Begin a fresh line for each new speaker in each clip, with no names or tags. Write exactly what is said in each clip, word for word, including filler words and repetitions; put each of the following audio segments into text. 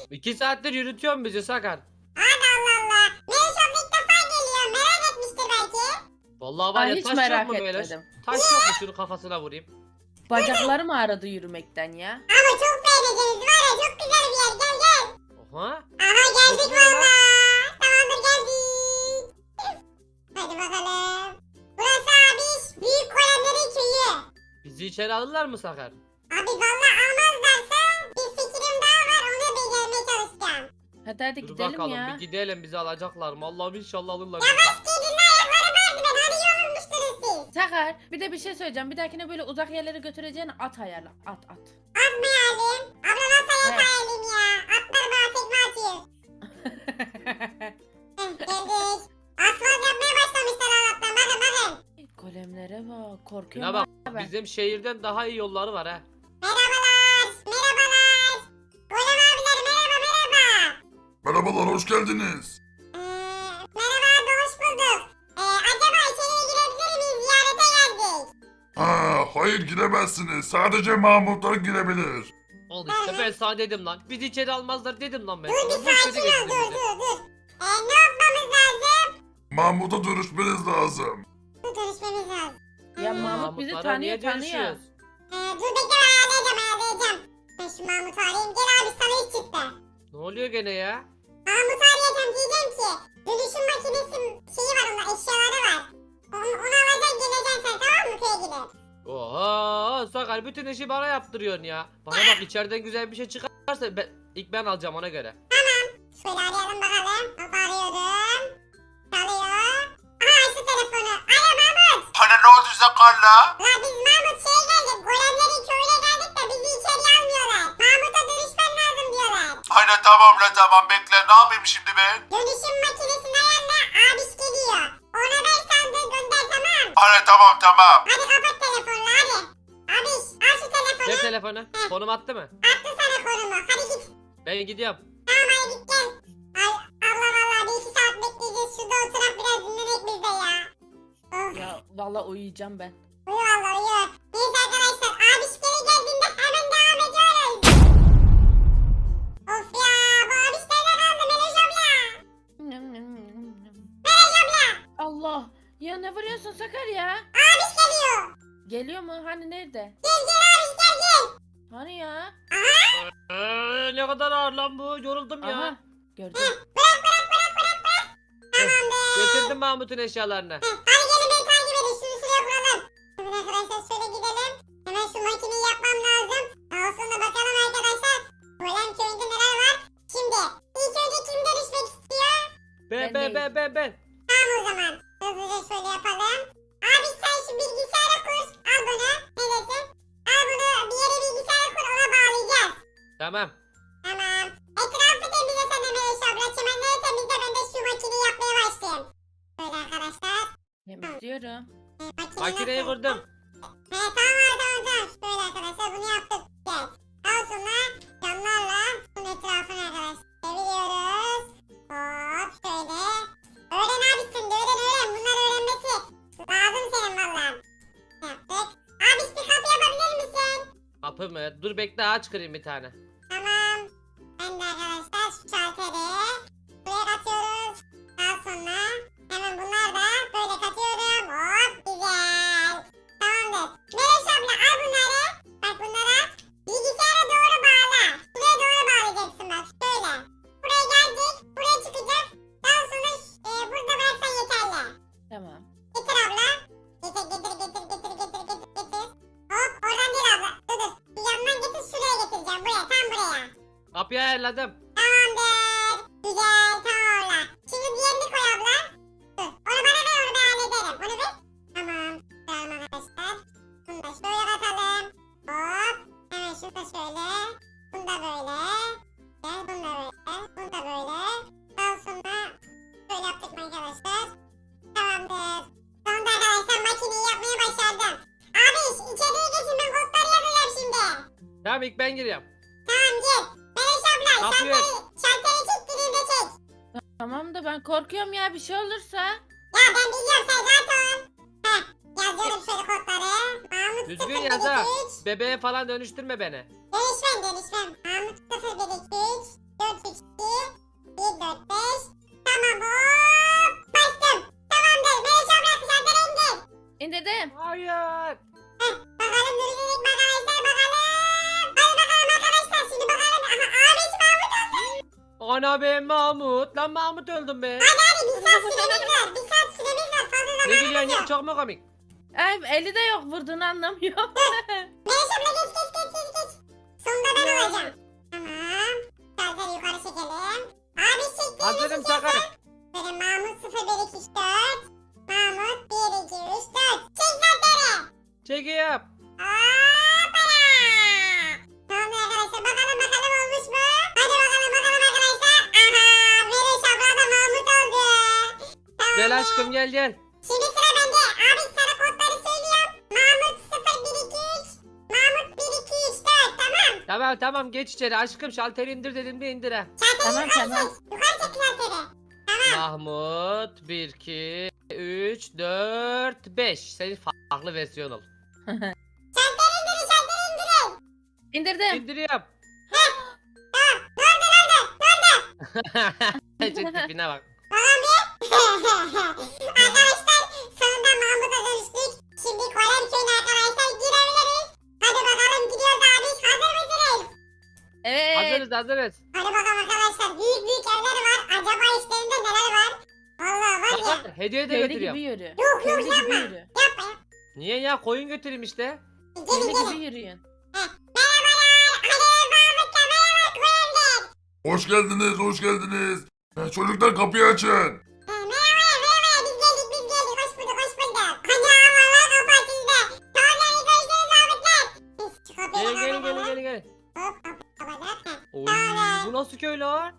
İki saattir yürütüyorsun bizi Sakar.
Abi Allah Allah. Melis abla ilk defa geliyor. Merak etmiştir belki.
Vallahi var
Ay,
ya
hiç
taş yok
merak
mu böyle?
etmedim.
Taş yok mu şunu kafasına vurayım.
Bacaklarım ağrıdı yürümekten ya.
Ama çok beğeneceğiniz var ya, çok güzel bir yer. Gel gel.
Oha.
Aha geldik
Çok güzel lan.
valla. Tamamdır geldik. Hadi bakalım. Burası abi büyük golemlerin köyü.
Bizi içeri alırlar mı Sakar?
Abi valla almazlarsa bir fikrim daha var, onu becermeye çalışacağım.
Hadi hadi
Dur
gidelim
bakalım
ya.
bir gidelim bizi alacaklar mı? Allah'ım inşallah alırlar.
Yavaş gidin, ayakları vardı, ben hadi yorulmuştunuz siz.
Sakar bir de bir şey söyleyeceğim. Bir dahakine böyle uzak yerlere götüreceğin at ayarla. At at.
Atmayalım. Abla nasıl
Evet.
yatayalım ya. Atlar bana tekme atıyor. Heh, geldik. Asfalt yapmaya başlamışlar Allah'tan, bakın bakın.
Golemlere bak.
Şuna
Korkuyorum
bak
abi.
bizim şehirden daha iyi yolları var ha.
Merhabalar. Merhabalar. Golem abiler merhaba merhaba.
Merhabalar, hoş geldiniz.
Ee, merhaba abi, hoş bulduk. Ee, acaba içeriye girebilir miyiz? Ziyarete geldik.
Ha, hayır giremezsiniz. Sadece Mahmutlar girebilir.
Oldu işte ben sana dedim lan. Bizi içeri almazlar dedim lan ben.
Dur
sana.
bir
Boş yere
sakin ol,
getirdin
dur
bizi.
dur dur. Ee, ne yapmamız lazım?
Mahmut'a dönüşmeniz lazım.
Dur, görüşmemiz lazım.
Ya Mahmut bizi
Mahmutlara niye
tanıyor tanıyor.
dönüşüyoruz?
Ee, dur bekle, ben ayarlayacağım ayarlayacağım. Ben şu Mahmut'u arayayım. Gel abi, sana iş çıktı.
Ne oluyor gene ya?
Mahmut'u arayacağım, diyeceğim ki dönüşüm makinesi şeyi var, onda eşyaları var. Onu, onu alacaksın, geleceksin sen, tamam mı, köye gidip?
Oha Sakar bütün işi bana yaptırıyorsun ya. Bana bak içeriden güzel bir şey çıkarsa ben, ilk ben alacağım ona göre.
Şöyle arayalım bakalım. Hop, arıyorum. Çalıyor. Aha, açtı telefonu. Alo Mahmut.
Hani ne oldu Zakar'la?
La biz Mahmut şeye geldik. Golemlerin köyüne geldik de bizi içeriye almıyorlar. Mahmut'a dönüşmen lazım diyorlar.
Hani tamam la tamam bekle, ne yapayım şimdi ben?
Dönüşüm makinesinin ayarına abiş geliyor. Ona ver sandığı, gönder, tamam.
Hani tamam tamam.
Hadi kapat telefonla hadi. Abiş al şu telefonu.
Ne telefonu? Konum attı mı?
Attı sana konumu. Hadi git.
Ben gidiyorum.
Tamam hadi git gel. Ay Allah Allah, bir iki saat bekleyeceğiz. Şurada oturak biraz dinlenek biz de ya. Of.
Ya vallahi uyuyacağım ben.
Uyu valla uyu. Neyse arkadaşlar, abiş geri geldiğinde hemen devam ediyoruz. Of ya, bu abiş nerede kaldı Meloş abla? Meloş abla.
Allah. Ya ne vuruyorsun Sakar ya?
Abiş geliyor.
Geliyor mu? Hani nerede?
Gel gel abiş gel gel.
Hani ya?
Ee, ne kadar ağır lan bu. Yoruldum ya.
Aha. Gördüm.
Bırak bırak bırak bırak bırak. Tamamdır.
Getirdim Mahmut'un eşyalarını.
Heh, hadi gelin beni takip edin. Şunu şuraya kuralım. Hemen arkadaşlar şöyle gidelim. Hemen şu makineyi yapmam lazım. Daha sonra bakalım arkadaşlar. Golem köyünde neler var? Şimdi ilk önce kim dönüşmek istiyor?
Ben
Ben
ben
değilim.
ben ben ben.
Tamam o zaman. Hızlıca şöyle yapalım. Abi sen şu bilgisayara kur. Al bunu. Ne desin? Al bunu bir yere bilgisayara kur, ona bağlayacağız.
Tamam.
Tamam. Etrafı temizle sen de Melis abla. Çimenleri temizle, ben de şu makineyi yapmaya başlayayım. Böyle arkadaşlar.
Temizliyorum.
E, makine
Makineyi
nasıl?
kurdum.
He tamam abi, tamam tamam. Böyle arkadaşlar bunu yaptık. Gel. Daha sonra camlarla bunun etrafını arkadaşlar çeviriyoruz. Hop şöyle. Öğren abi sen de, öğren öğren. Bunları öğrenmesi lazım senin valla. Yaptık. Abi bir kapı yapabilir misin?
Kapı mı? Dur bekle aç kırayım bir tane.
Tamam. Ben de arkadaşlar şu şalteri buraya katıyoruz. Daha sonra hemen bunlar da böyle katıyorum. Hop güzel. Tamamdır. Melis abla al bunları. Bak bunlara bilgisayara doğru bağla. Buraya doğru bağlayacaksın bak şöyle. Buraya geldik. Buraya çıkacak. Daha sonra e, burada bıraksan yeterli.
Tamam.
Getir abla. Getir getir getir getir getir getir getir. Hop oradan değil abla. Dur dur. Bir yandan getir, şuraya getireceğim. Buraya, tam buraya.
Kapıyı ayarladım.
Tamamdır. Güzel, tamam abla. Şimdi diğerini koy abla. Dur. Onu bana ver, onu ben hallederim. Onu ver. Tamam. Tamam arkadaşlar. Bunu da şöyle katalım. Hop. Hemen şunu da şöyle. Bunu da böyle. Gel bunu da böyle. Bunu da böyle. Daha sonra şöyle yaptık mı arkadaşlar? Tamamdır. Sonunda arkadaşlar makineyi yapmayı başardım. Abi içeriye geçin, ben kodları yazacağım şimdi.
Tamam ilk ben giriyorum.
Tamam gel. Melis abla
Kapıyı
şalteri, şalteri çek, dilinde çek.
Tamam da ben korkuyorum ya bir şey olursa.
Ya ben biliyorum, sen rahat ol. Heh, yazıyorum şöyle kodları. Mahmut
Düzgün
sıfır
yaz
bir
ha.
iki üç.
Bebeğe falan dönüştürme beni.
Dönüşmem dönüşmem. Mahmut sıfır bir iki üç. dört üç iki bir dört beş. Tamam hop. Bastım. Tamamdır. Meriç abla dışarıdan indir.
İndirdim.
Hayır.
Bakalım duracak mı arkadaşlar bakalım. Hadi bakalım arkadaşlar şimdi bakalım. Aha abisi Mahmut oldu.
Ana ben Mahmut. Lan Mahmut öldüm be.
Hadi hadi bir saat süremiz var. Bir saat süremiz var. Fazla
Ne
zamanımız
gülüyorsun ya?
yok.
Çok mu komik?
Ay eli de yok vurduğunu anlamıyor.
Meriç abla geç geç geç geç geç. Sonunda ben olacağım. Tamam. Şarjları yukarı çekelim. Abi çektiğimiz
Hazırım Sakar.
Böyle Mahmut sıfır bir iki üç dört. Mahmut bir iki üç dört. Çek zaten.
Çekeyim.
Hoppala. Tamam arkadaşlar bakalım bakalım olmuş mu? Hadi bakalım bakalım arkadaşlar. Aha Meriç abla da Mahmut oldu. Tamam.
Gel aşkım gel gel.
Şimdi sıra bende. Abi sana kodları söylüyorum. Mahmut sıfır bir iki üç. Mahmut bir iki üç dört tamam.
Tamam tamam geç içeri aşkım şalteri indir dedim de indir ha.
Şalteri
Tamam,
yukarı
tamam.
çek. Yukarı çek şalteri.
Mahmut bir iki üç dört beş. Senin farklı versiyon ol.
Şalteri indirin şalteri indirin.
İndirdim.
İndiriyorum. Çok tipine bak.
Arkadaşlar sonunda Mahmut'a dönüştük. Şimdi Kolem köyüne arkadaşlar girebiliriz. Hadi bakalım gidiyoruz abi. Hazır mısınız?
Evet.
Hazırız hazırız.
Hadi bakalım arkadaşlar. Büyük büyük evler var. Acaba işlerinde neler var? Vallahi var ya.
Sakar, hediye de
Köylü
götürüyorum.
gibi yürü.
Yok yok
Köylü gibi
yapma.
yürü.
Yapma yapma.
Niye ya koyun götüreyim işte.
Gelin
Köylü
gelin.
gibi yürüyün.
Merhabalar. Hadi Mahmut'la merhaba Kolem'den.
Hoş geldiniz, hoş geldiniz. Ee, Çocuklar kapıyı açın.
Merhaba merhaba. Biz geldik biz geldik. Hoş bulduk hoş bulduk. Ana valla kapı açıldı. Tamam yani görüşürüz Mahmutlar. Biz şu kapıyı
Gelin gelin
kapatalım.
gelin gelin gelin.
Hop kapı kapatalım. Heh.
Oy, bu nasıl köy lan?
Ana.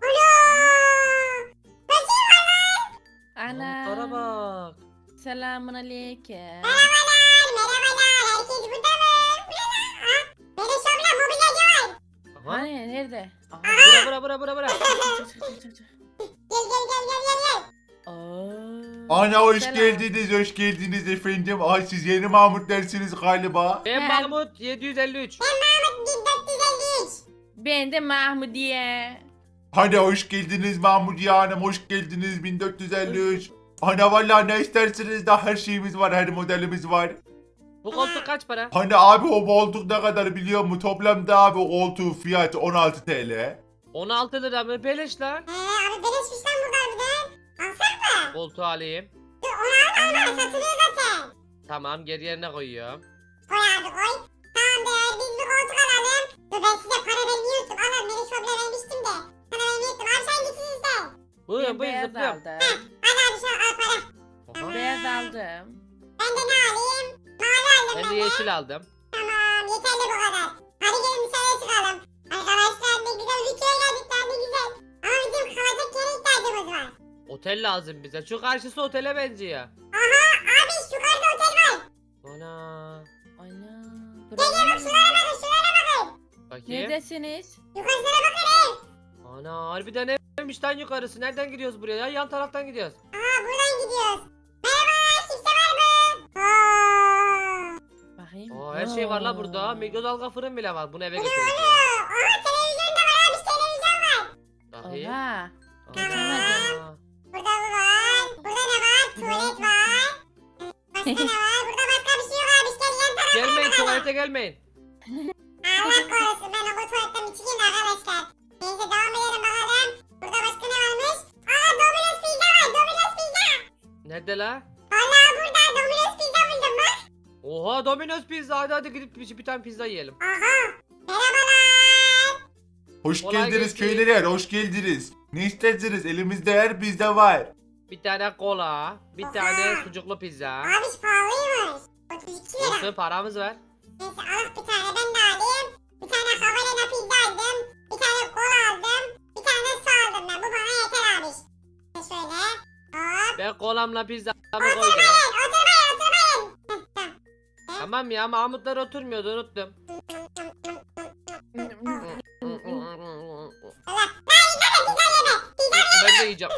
Nasıl var lan?
Manzara
Ana.
bak.
Selamun aleyküm.
Merhabalar, merhabalar. Herkes burada mı? Ha? Böyle şovla mobilyacı var.
Aha.
Hani nerede? Aha.
Bura bura bura bura bura.
Çık, çık, çık, çık, çık.
Gel gel gel gel gel gel.
Aa.
Ana hoş
Selam.
geldiniz, hoş geldiniz efendim. Ay siz yeni Mahmut dersiniz galiba.
Ben
He.
Mahmut yedi yüz elli üç.
Mahmut bin dört yüz elli üç.
Ben de Mahmudiye.
Hadi hoş geldiniz Mahmut Hanım, hoş geldiniz bin dört yüz elli üç. Ana vallahi ne isterseniz de her şeyimiz var, her modelimiz var.
Bu koltuk kaç para?
Hani abi o koltuk ne kadar biliyor musun? Toplamda abi o koltuğun fiyatı on altı TL.
on altı lira mı? Beleş lan.
He abi beleşmiş lan burada harbiden. Alsak mı?
Koltuğu alayım.
Dur onu alma alma satılıyor zaten.
Tamam geri yerine koyuyorum.
Koy abi koy. Tamamdır biz bir koltuk alalım. Dur ben size para vermeyi unuttum. Alın beni şovla vermiştim de. Sana vermeyi unuttum. Abi sen gitsin iste.
Buyurun
Ben
buyurun
beyaz
zıplıyorum.
aldım.
Hadi abi şu al para.
Aha.
Beyaz aldım.
Ben de ne alayım? Mavi aldım
Ben
ben
de
de.
yeşil aldım.
Tamam yeterli bu kadar. Hadi gelin dışarıya çıkalım. Arkadaşlar ne güzel bir köye geldik lan ne güzel. Ama bizim kalacak yere ihtiyacımız var.
Otel lazım bize. Şu karşısı otele benziyor.
Aha abi yukarıda otel var.
Ana.
Ana.
Gel bak şunlara bakın şunlara bakın.
Bakayım.
Neredesiniz?
Yukarısına bakın.
Ana harbiden neymiş lan yukarısı? Nereden gidiyoruz buraya ya? Yan taraftan gidiyoruz.
Aha buradan gidiyoruz. Merhaba kimse var mı? Aa.
Bakayım.
Aa, her şey var la burada.
Aa.
Mikrodalga fırın bile var. Bunu eve
Bu ne
götüreceğim.
oluyor? Aha televizyon da var abi televizyon var.
Bakayım.
Oha.
Aa.
Burada bu var. Burada ne var? Tuvalet var. Başka ne var? Burada başka bir şey yok abi. Gel yan tarafa
Gelmeyin
bakalım.
tuvalete gelmeyin.
Allah korusun ben o bu tuvaletten bir çıkayım arkadaşlar. Neyse devam edelim bakalım. Burada başka ne varmış? Aa Domino's pizza var Domino's pizza.
Nerede la?
Vallahi burada Domino's pizza buldum bak.
Oha Domino's pizza. Hadi hadi gidip bir, bir tane pizza yiyelim.
Aha. Merhabalar.
Hoş
Kolay
geldiniz
gelsin.
köylüler, hoş geldiniz. Ne isterseniz elimizde her bizde var.
Bir tane kola. Bir
Oha.
tane sucuklu pizza.
Abi pahalıymış. otuz iki lira.
Olsun paramız var.
Neyse al bir tane ben de alayım. Bir tane havalena pizza aldım. Bir tane kola aldım. Bir tane su aldım ben. Bu bana yeter abi. Şöyle. Hop.
Ben kolamla pizzamı koydum.
Oturmayın oturmayın oturmayın. Heh, tamam.
Tamam ya Mahmutlar oturmuyordu unuttum.
Allah. Ben yine de pizza yeme. Pizza
Ben de yiyeceğim.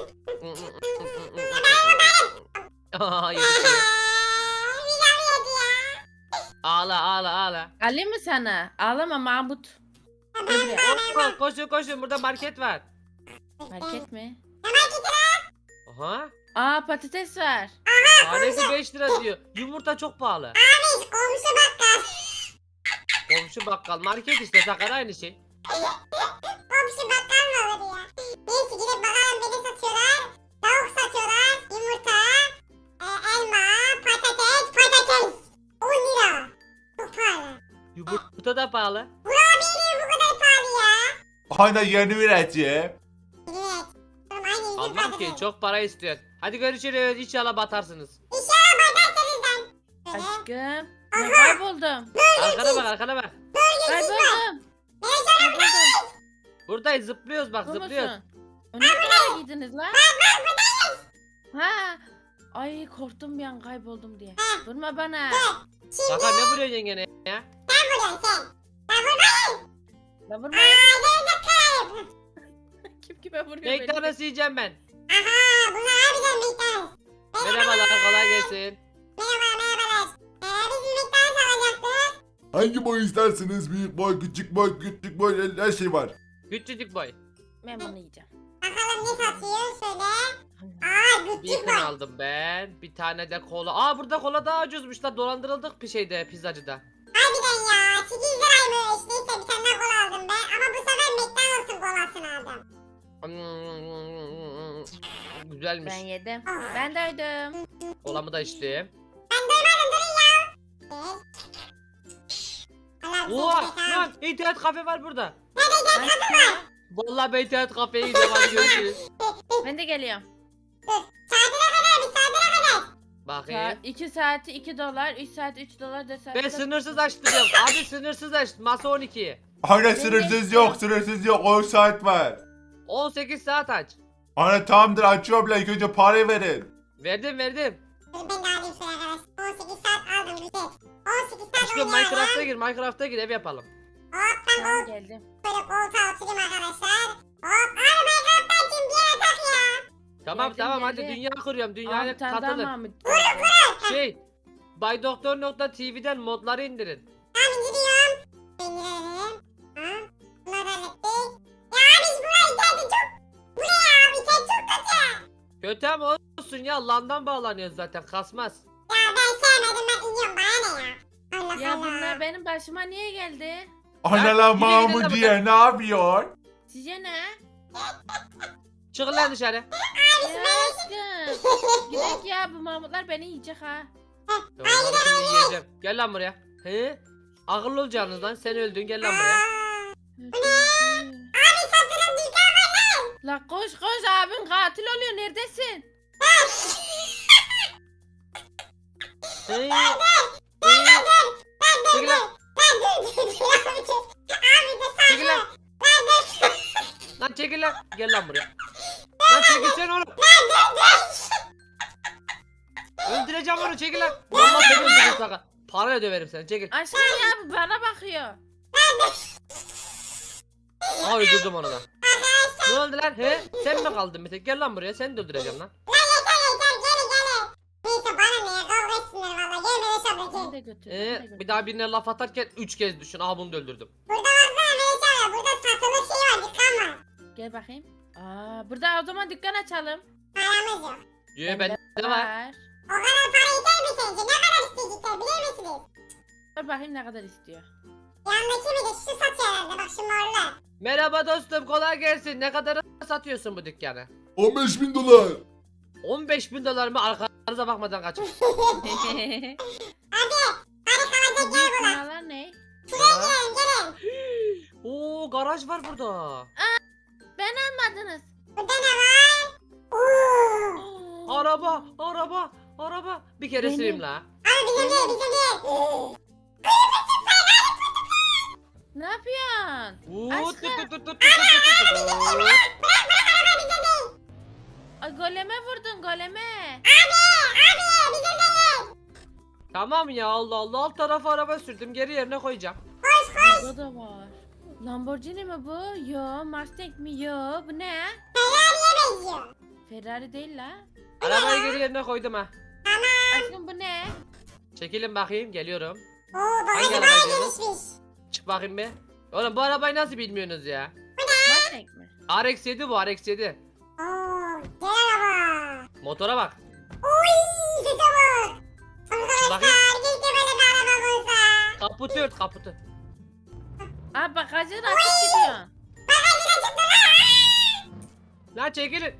Aa, yedik ya.
Pizza mı yedi ya?
Ağla ağla ağla.
Alayım mı sana? Ağlama Mahmut. Gel buraya.
Oo, koşun koşun burada market var.
Market mi?
Aha.
Aa patates var.
Tanesi beş lira diyor. Yumurta çok pahalı.
Biz komşu bakkal.
Komşu bakkal market işte sakar aynı şey.
Komşu bakkal mı olur ya? Neyse gidip bakalım beni satıyorlar. Tavuk satıyorlar. Yumurta. E, elma. Patates. Patates. on lira. Çok pahalı.
Yumurta da pahalı.
Burak abi bu kadar pahalı ya.
Ana yeni üretici.
Evet. Oğlum aynı yüzüm
Almam ki
patates.
çok para istiyorsun. Hadi görüşürüz inşallah batarsınız.
İnşallah batarsınız lan. Böyle.
Aşkım. Ben kayboldum.
Arkana bak arkana bak.
Kayboldum. Kayboldum.
Buradayız zıplıyoruz bak
Bu
zıplıyoruz.
musun? Onu nereye giydiniz lan? Ha. Ay korktum bir an kayboldum diye. Vurma bana.
Şimdi
Sakar ne vuruyorsun yengene ya?
sen vuruyorsun sen. Ben vurmayayım.
La vurma.
Aa gerizek kararım.
Kim kime vuruyor beni?
McDonald's yiyeceğim ben.
Aha bunlar harbiden McDonald's.
Merhabalar kolay gelsin.
Merhaba merhabalar. Ee, biz McDonald's alacaktık.
Hangi boy isterseniz büyük boy, küçük boy, küçük boy her şey var.
Küçücük boy.
Ben bunu yiyeceğim.
Bakalım ne satıyor şöyle. Aa
Bir
küçük
yakın
var.
aldım ben. Bir tane de kola. Aa burada kola daha ucuzmuş da dolandırıldık bir şeyde pizzacıda.
Harbiden ya. sekiz liraymış. Neyse bir tane daha kola aldım ben. Ama bu sefer McDonald's'ın kolasını aldım.
Hmm, güzelmiş.
Ben yedim.
Ah.
Ben doydum.
Kolamı da içtim.
Ben doymadım durun ya. Evet. Allah bize
Oha
gidecek ha.
lan internet kafe var burada.
Aşkım.
Vallahi ben internet kafeye gidiyorum hadi görüşürüz.
Ben de geliyorum.
Saatine kadar bir saatine kadar.
Bakayım.
iki saati iki dolar, üç saati üç dolar, dört saati
Ben
dört-
sınırsız açtırıyorum. Abi sınırsız aç. Masa on iki.
Ana sınırsız yok, sınırsız yok. on saat var.
on sekiz saat aç.
Ana tamamdır açıyorum lan. İlk önce parayı verin.
Verdim verdim.
Dur ben de alayım şöyle arkadaşlar. on sekiz saat aldım güzel. on sekiz saat
Aşkım
oynayalım.
Minecraft'a gir Minecraft'a gir ev yapalım.
Hop ben
Tamam
kol,
geldim.
böyle koltuğa oturayım arkadaşlar. Hop abi Minecraft'tan kim bir yere tak ya.
Tamam
Geldim,
tamam hadi
geldim.
dünya kuruyorum
Aa,
dünyaya
bir tane daha
katılın.
Mahmut.
Şey baydoktor nokta tv'den modları indirin.
Tamam gidiyorum. Ben girelim. Ha. Bunları hallettik. Ya abi buraya geldi çok. Bu ne ya abi sen çok kötü.
Kötü ama olsun ya landan bağlanıyor zaten kasmaz.
Ya ben sevmedim ben iniyorum bana ne ya. Allah
Ya
Allah.
bunlar benim başıma niye geldi?
Ana
Ya,
lan
yine gidelim
Mahmut
de
diye ne yapıyor?
Size ne?
Çıkın lan dışarı.
Ya aşkım. Gidek ya bu Mahmutlar beni yiyecek ha.
Onları şimdi yiyeceğim. Gel lan buraya. He? Akıllı olacaksınız lan sen öldün gel lan buraya.
Abi satırım dükkan var lan.
La koş koş abin katil oluyor neredesin?
He? He?
Ben dur
Çekil lan.
ben dur dur dur abi dur. Abi de sakin.
Çekil lan.
Ben dur.
Lan çekil lan. Gel lan buraya. Lan çekilsene oğlum. Öldüreceğim onu çekil lan. Vallahi seni öldürürüm sakın. Parayla döverim seni çekil.
Aşkım ya bu bana bakıyor.
Aa öldürdüm onu da. Ne oldu lan he? Sen mi kaldın bir tek? Gel lan buraya seni de öldüreceğim lan.
Lan yeter yeter geri geri. Neyse bana ne ya kavga etsinler valla. Gel beni şabla
Beni
gel.
de götür.
Ee,
beni de götür.
bir daha birine laf atarken üç kez düşün. Aha bunu da öldürdüm.
Burada baksana beni şabla. Burada satılık şey var dükkan var.
Gel bakayım. Aa, burada o zaman dükkan açalım.
Paramız yok.
Yo bende de var.
O kadar para yeter mi sence? Ne kadar isteyecekler bilir misiniz?
Dur bakayım ne kadar istiyor.
Yandaki bir de şu satıyor herhalde bak şu morlu.
Merhaba dostum kolay gelsin. Ne kadar satıyorsun bu dükkanı?
on beş bin dolar.
on beş bin dolar mı arkanıza bakmadan kaçın.
Hadi hadi kalacak
Bu
yer
büyük
bulan.
binalar ne?
Gelin gelin.
Oo garaj var burada.
Ben almadınız.
Burada ne var? Oo.
Araba, araba, araba. Bir kere
Benim.
süreyim la.
Abi bizim değil bizim değil.
Ne yapıyorsun?
Oo,
Aşkım.
tut tut tut tut tut tut tut. Oo.
Araba bizim değil.
Ay goleme vurdun goleme.
Abi abi bizim değil.
Tamam ya Allah Allah alt tarafa araba sürdüm geri yerine koyacağım.
Koş koş.
Burada da var. Lamborghini mi bu? Yo. Mustang mi? Yo. Bu ne?
Ferrari'ye benziyor.
Ferrari değil la.
Arabayı geri yerine koydum ha.
Aşkım bu ne?
Çekilin bakayım geliyorum.
Oo
Hangi
bagajı
araba
bayağı
diyorsun?
gelişmiş.
Çık bakayım bir. Oğlum bu arabayı nasıl bilmiyorsunuz ya?
Mustang mi?
R X yedi bu R X yedi.
Oo, güzel araba.
Motora bak.
Uy, süte bak. Arkadaşlar
Bakayım.
keşke böyle bir araba olsa.
Kaputu ört kaputu.
Abi bagajı da açık gidiyor.
Lan çekilin.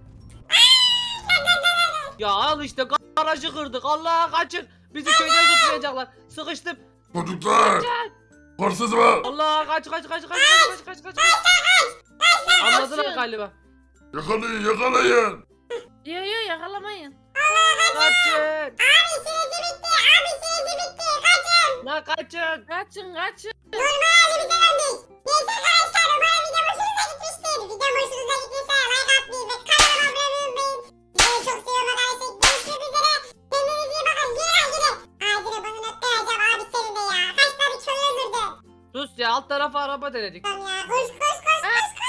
Ya al işte garajı kırdık. Allah kaçın. Bizi köyden tutmayacaklar. Sıkıştım.
Çocuklar. Hırsız var.
Allah kaç kaç kaç kaç kaç kaç kaç kaç. Anladılar
Kaçın.
galiba.
Yakalayın yakalayın.
Yo yo yakalamayın.
Kaçın.
Abi süresi bitti. Abi süresi bitti. Kaçın.
Lan kaçın.
Kaçın kaçın.
Normal halimize döndük. Neyse arkadaşlar umarım video hoşunuza gitmiştir. Video hoşunuza gittiyse like atmayı ve kanalıma abone olmayı unutmayın. Sizleri çok seviyorum arkadaşlar. Görüşmek üzere. Kendinize iyi bakın. Yine acile. Acile bunu noktalayacağım abi senin de ya. Kaç tane köy öldürdün.
Sus ya alt tarafa araba denedik.
Tamam ya. Koş koş koş koş koş.